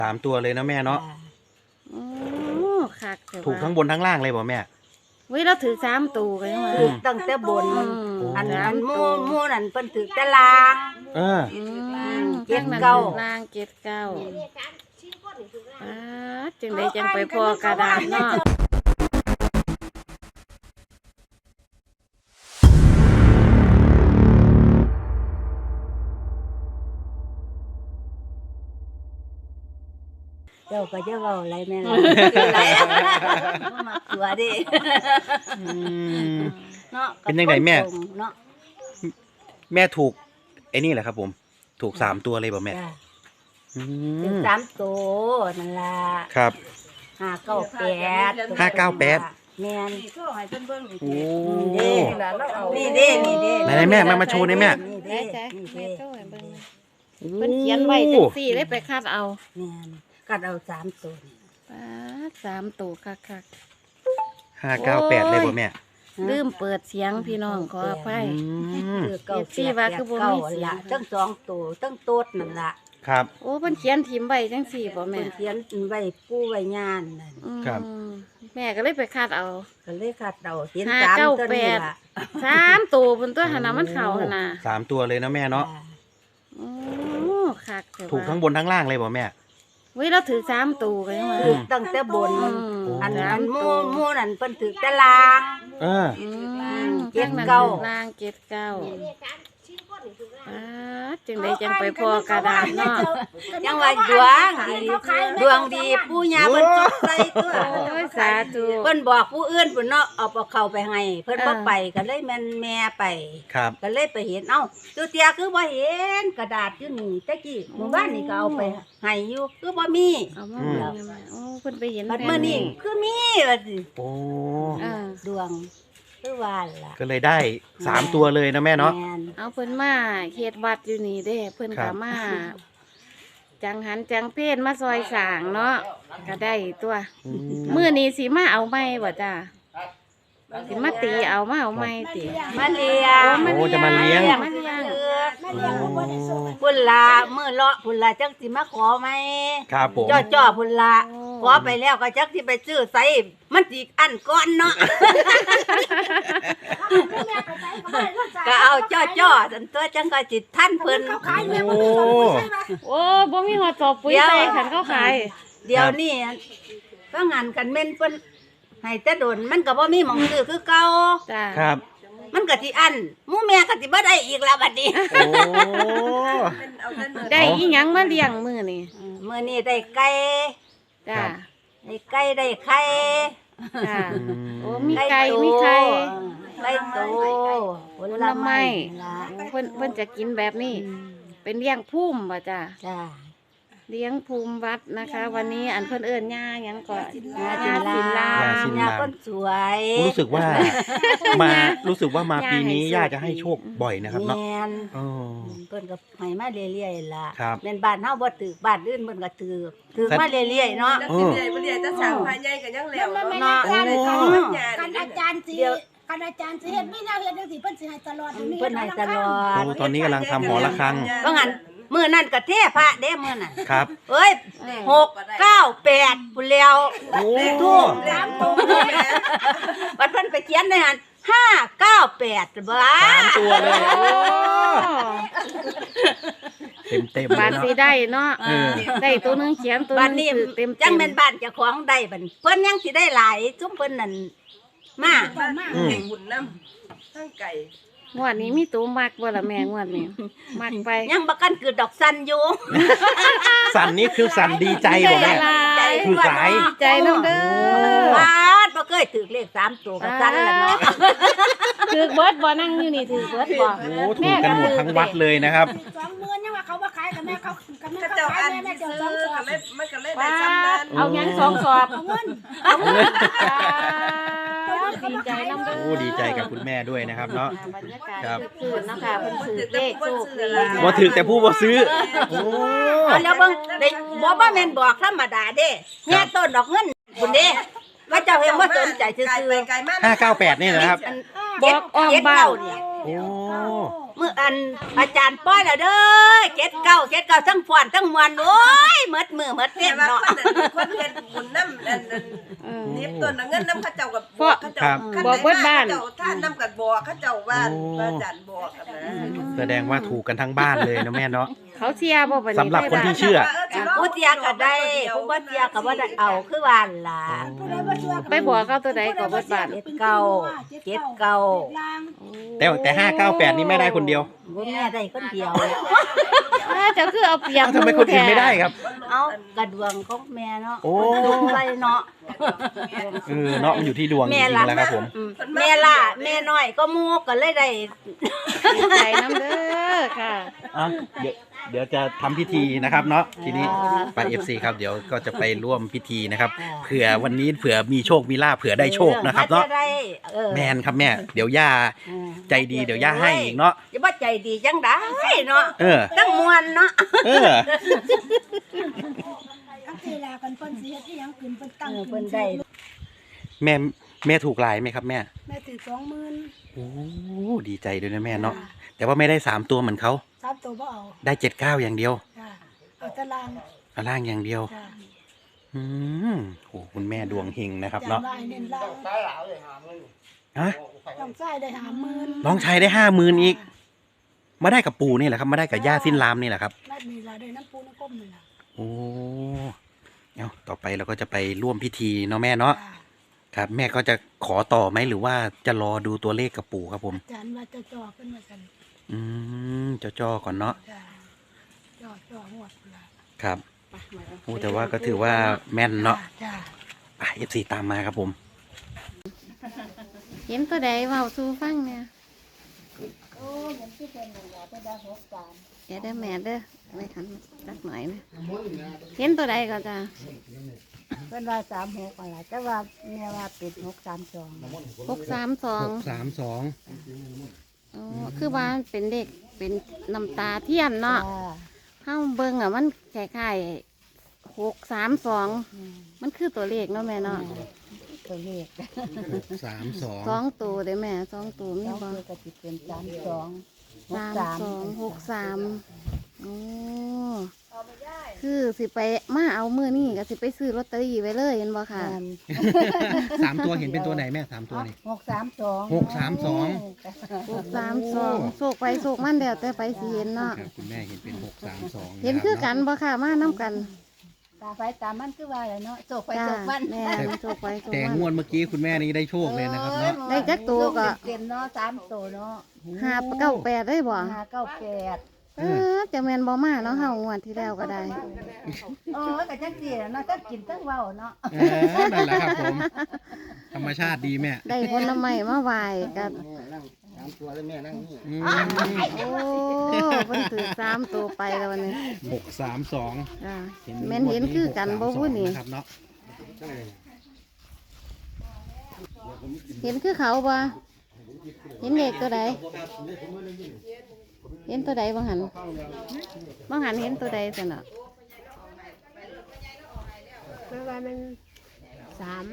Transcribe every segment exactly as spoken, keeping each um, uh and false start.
สามตัวเลยนะแม่เนาะโอ้คักถูกทั้งบนทั้งล่างเลยบ่แม่เว้ยเราถือสามตัวกันมาถือตั้งแต่บนอันอันมู่มู่นั่นเพิ่นถือแต่ล่างเออเจ็ดเก้าล่างเจ็ดเก้าป้าจึงได้จังไปพอกระดาษเนาะเจ้าก็จะเว้าอะไรแม่ล่ะมาตัวดิเนาะเป็นยังไงแม่เนาะแม่ถูกไอ้นี่แหละครับผมถูกสามตัวเลยบ่แม่ถูกสามตัวนั่นล่ะครับห้าเก้าแปดห้าเก้าแปดแม่นโอ้นี่เด้นี่เด้ไหนแม่มามาโชว์ได้แม่ได้จ้ะแม่โชว์ให้เบิ่งเพิ่นเขียนไว้จังซี่เลยไปคาดเอาแม่นคัดเอาสามตัวป้าสามตัวคักๆห้าเก้าแปดเลยบ่แม่ลืมเปิดเสียงพี่น้องขออภัยคือเก้าสี่ว่าคือบ่มีเสียงทั้งสองตัวทั้งโต๊ดนั่นล่ะครับโอ้เพิ่นเขียนทิมไว้จังซี่บ่แม่เพิ่นเขียนไว้ปูไว้งานนั่นครับแม่ก็เลยไปคาดเอาก็เลยคัดเอาเขียนสามตัวนี่ล่ะสามตัวเพิ่นตัวหั่นน่ะมันเข้าหั่นน่ะสามตัวเลยนะแม่เนาะโอ้คักถูกทั้งบนทั้งล่างเลยบ่แม่เว้ยเราถือสามตัวกันมาถือตั้งแต่บนอันอันมู่มู่นั่นเพิ่นถือแต่ล่างเออเจ็ดเก้าล่างเจ็ดเก้าป้าจึงได้จังไปพอกระดาษเนาะยังว่าดวงดีดวงดีปู่ย่าเพิ่นจุกใส่ตัวโอ้ยสาธุเพิ่นบอกผู้อื่นเพิ่นเนาะเอาเอาเข้าไปให้เพิ่นบ่ไปก็เลยแม่นแม่ไปครับก็เลยไปเห็นเอ้าตัวเตียคือบ่เห็นกระดาษอยู่นี่ตะกี้หมู่บ้านนี่ก็เอาไปให้อยู่คือบ่มีเอามาโอ้เพิ่นไปเห็นบัดมื้อนี้คือมีว่าสิโอ้ดวงคือว่าล่ะก็เลยได้สามตัวเลยนะแม่เนาะเอาเพิ่นมาเฮ็ดวัดอยู่นี่เด้เพิ่นก็มาจังหันจังเพศมาซอยสร้างเนาะก็ได้ตัวมื้อนี้สิมาเอาไม้บ่จ้าสิมาตีเอามาเอาไม้ติมาเลี้ยงโอ้จะมาเลี้ยงมาเลี้ยงพุ่นละมื้อเลาะพุ่นละจังสิมาขอไหมครับผมจ่อๆพุ่นละขอไปแล้วก็จักสิไปซื้อใส่มันสิอันก่อนเนาะก็เอาจ่อๆซั่นตัวจังก็สิทันเพิ่นโอ้โอ้บ่มีฮอดสอบปุ๋ยใส่คันเขาขายเดี๋ยวนี้ก็งานกันแม่นเพิ่นให้แต่โดนมันก็บ่มีหม้องซื้อคือเก่าจ้าครับมันก็สิอันหมู่แม่ก็สิบ่ได้อีกแล้วบัดนี้โอ้ได้อีหยังมาเลี้ยงมื้อนี้มื้อนี้ได้ไก่จ้าได้ไก่ได้ไข่จ้าโอ้มีไก่มีไข่ไก่โตผลไม้เพิ่นเพิ่นจะกินแบบนี้เป็นเลี้ยงภูมิบ่จ้าจ้าเลี้ยงภูมิวัดนะคะวันนี้อันเพิ่นเอิ้นย่าหยังก็ย่าศิลาย่าคนสวยรู้สึกว่ามารู้สึกว่ามาปีนี้ย่าจะให้โชคบ่อยนะครับเนาะอ๋อเพิ่นก็ให้มาเรื่อยๆล่ะครับแม่นบ้านเฮาบ่ตึกบ้านอื่นเพิ่นก็ตึกตึกมาเรื่อยๆเนาะเออเรื่อยๆบ่ได้จะสร้างภายใหญ่ก็ยังแล้วเนาะกันอาจารย์สิกันอาจารย์สิเฮ็ดมีแนวเฮ็ดจังซี่เพิ่นสิให้ตลอดเพิ่นให้ตลอดโอ้ตอนนี้กำลังทำหอระฆังว่างั้นมื้อนั้นก็เทพระเด้มื้อนั้นครับเอ้ยหก เก้า แปดพุ่นแล้วโอ้ทูบสามตัวบัดเพิ่นไปเขียนในหั่นห้า เก้า แปดบ่สามตัวเลยโอ้เต็มๆบ้านสิได้เนาะได้ตัวนึงเขียนตัวนึงเต็มจังแม่นบ้านเจ้าของได้บัดเพิ่นยังสิได้หลายซุมเพิ่นนั่นมาเก่งบุญนำทั้งไก่งวดนี้มีตัวมักบ่ล่ะแม่งวดนี้มักไปยังบ่กันคือดอกสันอยู่สันนี้คือสันดีใจบ่แม่คือหลายใจนำเด้อบาดบ่เคยถูกเลขสามตัวก็สันแล้วเนาะถูกเบิดบ่นั่งอยู่นี่ถูกเบิดบ่โอ้ถูกกันหมดทั้งวัดเลยนะครับสองหมื่นยังว่าเขาบ่ขายกับแม่เขากับแม่เขาขายแม่เจ้าสองสอบมันก็เลยได้ซ้ำนั้นเอาหยังสองสอบเอาเงินเอาเงินดีใจนำเด้อโอ้ดีใจกับคุณแม่ด้วยนะครับเนาะครับคือเนาะค่ะเพิ่นถือเลขโชคดีบ่ถือแต่ผู้บ่ซื้อโอ้แล้วเบิ่งได้บ่บ่แม่นบอกธรรมดาเด้แง่ต้นดอกเงินพุ่นเด้ว่าเจ้าเฮ็ดบ่สนใจซื่อๆห้า เก้า แปดนี่นะครับบอกออกบ้านโอ้เมื่ออันอาจารย์ป้อยแล้วเด้อเจ็ดเก้าเจ็ดเก้าทั้งฟ้อนทั้งมวลโอ้ยหมดมือหมดแต่เต้นว่าเนาะคนนั้นคนเฮ็ดบุญน้ำนั่นนั่นเออนิบต้นเงินน้ำเขาเจ้ากับบอกเขาเจ้าบอกเบิดบ้านเจ้าท่านน้ำกับบอกเขาเจ้าบ้านบ้านจันบอกกันนะแสดงว่าถูกกันทั้งบ้านเลยนะแม่เนาะเขาเชียร์บ่บัดนี้สำหรับคนที่เชื่อผู้เตียก็ได้ผู้บ่เตียก็บ่ได้เอาคือว่าล่ะไปบอกเขาตัวใดก็เบิดบาทเจ็ดเก้าเจ็ดเก้าแต่แต่ห้าเก้าแปดนี่ไม่ได้คนเดียวบ่แม่ได้คนเดียวอ้าเจ้าคือเอาเปรียบเอ้าทำไมคนอื่นไม่ได้ครับเอากระดวงของแม่เนาะโอ้ดวงไรเนาะเออเนาะมันอยู่ที่ดวงจแม่ริงล่ะๆแล้วครับผมอืมแม่ล่ะแม่น้อยก็หมูก็เลยได้ใจน้ำเด้อค่ะอ่ะเดี๋ยวเดี๋ยวจะทำพิธีนะครับเนาะทีนี้ไป เอฟ ซี ครับเดี๋ยวก็จะไปร่วมพิธีนะครับเผื่อวันนี้เผื่อมีโชคมีลาภเผื่อได้โชคนะครับเนาะออได้เออแมนครับแม่เดี๋ยวย่าเออใจดีเดี๋ยวย่าให้อีกเนาะอย่าว่าใจดีจังได้เนาะเออตั้งมวนเนาะเออทั้งทีลากันเพิ่นสิเฮ็ดอีหยังขึ้นเพิ่นตั้งเออขึ้เพิ่นนได้แม่แม่ถูกหลายไหมครับแม่แม่ถือสองหมื่นโอ้ดีใจด้วยนะแม่เนาะแต่ว่าไม่ได้สามตัวเหมือนเขาสามตัวบ่เอาได้เจ็ดเก้าอย่างเดียวจ้ะเอาแตารางเอาล่างอย่างเดียวจ้ะอืมโอ้คุณแม่ดวงเฮงนะครับจำเนาะได้เน้นล่างฮะต้องใช้ได้ห้าหมื่นน้องชายได้ห้าหมื่นอีก มาได้กับปู่นี่แหละครับมาได้กับย่าสิ้นลามนี่แหละครับนัดมีลาได้น้ำปูน้ำก้มนี่ล่ะโอ้เอาต่อไปเราก็จะไปร่วมพิธีเนาะแม่เนาะจ้ะครับ แม่ก็จะขอต่อไหมหรือว่าจะรอดูตัวเลขกับปู่ครับผมอาจารย์ว่าจะจ่อเพิ่นว่าซั่นอืมเจ้าจ้อก่อนเนาะจ้ะจ่อจ่อหวดพุ่นล่ะครับโอ้แต่ว่าก็ถือว่าแม่นเนาะจ้ะอ่ะเอฟซีตามมาครับผมเห็นตัวใดเว้าสู่ฟังเนี่ยโอ้ยมันสิเป็นนั่นล่ะไปได้หกสามเดี๋ยวเด้อแม่เด้อไม่ทันสักหน่อยนะเห็นตัวใดก็จ้าเพิ่นว่าสามหกอะไรแต่ว่าแม่ว่าเป็นหกสามสองหกสามสองสามสองอ๋อคือว่ามันเป็นเด็กเป็นน้ำตาเทียนเนาะจ้ะเฮาเบิ่งอ่ะมันคล้ายๆหกสามสองอืมมันคือตัวเลขเนาะแม่เนาะตัวเลขสามสองสองตัวเด้อแม่สองตัวมีน้องบ่คือก็สิเป็นสามสองหกสามสามสองหกสามโอ้คือสิไปมาเอามือนี่ก็สิไปซื้อลอตเตอรี่ไว้เลยเห็นบ่ค่ะแม่นสามตัวเห็นเป็นตัวไหนแม่สามตัวนี่หกสามสองหกสามสองหกสามสองโศกไปโศกมันเดียวแต่ไปสิเห็นเนาะครับคุณแม่เห็นเป็นหกสามสองเห็นคือกันบ่ค่ะมาน้กันตาไฟตามันคือว่าแหละเนาะโศกไปจ้าโศกมันแม่โศกไปโศกแต่งมัวน ดเมื่อกี้คุณแม่นี่ได้โชคเลยนะครับเนาะได้จักตัวก็เต็มเนาะสามตัวเนาะห้าเก้าแปดได้บ่ห้าเก้าแปดเออจะแม่นบ่มาเนาะเฮางวดที่แล้วก็ได้เออก็จังซี่เนาะถ้ากินทั้งเว้าเนาะเออนั่นแหละครับผม ธรรมชาติดีแม่ได้ผลไม้มาไหว้กับอืมโอ้เพิ่นถือสามตัวไปแล้ววันนี้หกสามสองจ้าแม่นเห็นคือกันบ่พูดนี่ครับเนาะเห็นคือเขาบ่เห็นเด็กตัวใดเห็นตัวใดบ่หันบ่หันเห็นตัวใดซั่นน่ะแม่ว่ามันสาม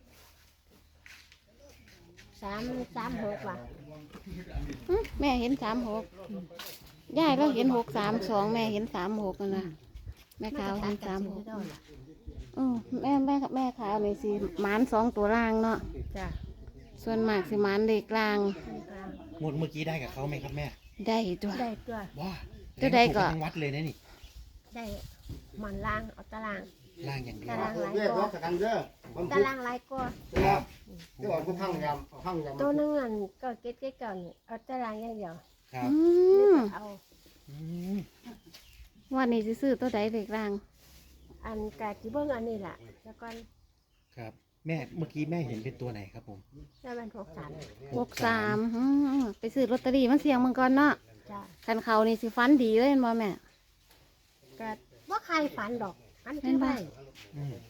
สามสามหกว่ะหึแม่เห็นสามหกยายเราเห็นหกสามสองแม่เห็นสามหกนั่นน่ะแม่ขาวเห็นสามหกอือแม่แม่แม่ขาวนี่สิหมานสองตัวล่างเนาะจ้ะส่วนมากสิหมานเด็กล่างงวดเมื่อกี้ได้กับเขาไหมครับแม่ได้ตัวได้ตัวว้าจะได้ก็ทั้งวัดเลยนะนี่ได้หมันล่างเอาตารางล่างอย่างเดียวตารางหลายเรียกกรว่าถกันเด้อผมตารางหลายกว่าครับที่ว่าผู้พังยำพังยำตัวหนึงอันก็เก็ตเก็ตเก่านี่เอาตารางอย่างเดียวครับอืมเอาอืมวันนี้สิซื้อตัวใดเด็กล่างอันกาจิเบิ้งอันนี้ล่ะแล้วก็ครับแม่เมื่อกี้แม่เห็นเป็นตัวไหนครับผมได้มันหกสามหกสามอืมไปซื้อลอตเตอรี่มาเสี่ยงมังก่อนเนาะจ้ะคันเขานี่สิฟันดีเลยเห็นบ่แม่ก็ว่าใครฝันดอกอันแม่ที่นบ่ได้อืม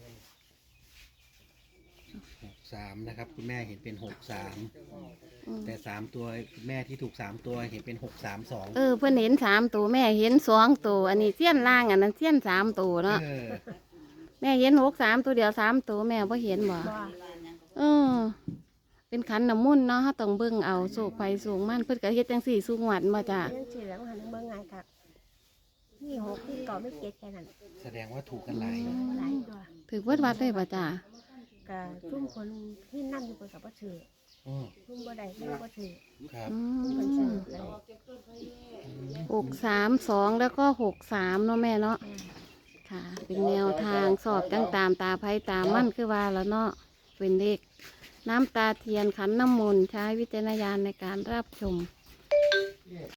หกสามนะครับ คุณแม่เห็นเป็นหกสามอืมแต่สามตัวคุณแม่ที่ถูกสามตัวเห็นเป็นหกสามสองเออเพิ่นเห็นสามตัวแม่เห็นสองตัวอันนี้เสี้ยนล่างอันนั้นเสี้ยนสามตัวเนาะเออแม่เห็นหกสามตัวเดียวสามตัวแม่บ่เห็นบ่บ่เออเป็นขันน้ำมนต์เนาะเฮาต้องเบิ่งเอาโศกไฟสูงมันเพิ่นก็เฮ็ดจังซี่สูงหวัดมาจ้ะเรื่องชื่อแล้วหันเบิ่งง่ายครับนี่หกนี่เก่าไม่เก็ดแค่นั้นแสดงว่าถูกกันหลายหลายตัวถือวัดวัดได้ป่ะจ้ะก็ทุ่มคนที่นั่งอยู่บนกับบ่ถืออืมทุ่มบ่ได้ทุ่มบ่ถือครับอืเพิ่นมซื้อเลยหกสามสองแล้วก็หกสามเนาะแม่เนาะค่ะ เป็นแนวทางสอบจังตามตาไพ่ตามมั่นคือว่าแล้วเนาะเป็นเลขน้ำตาเทียนขันน้ำมนต์ใช้วิจารณญาณในการรับชม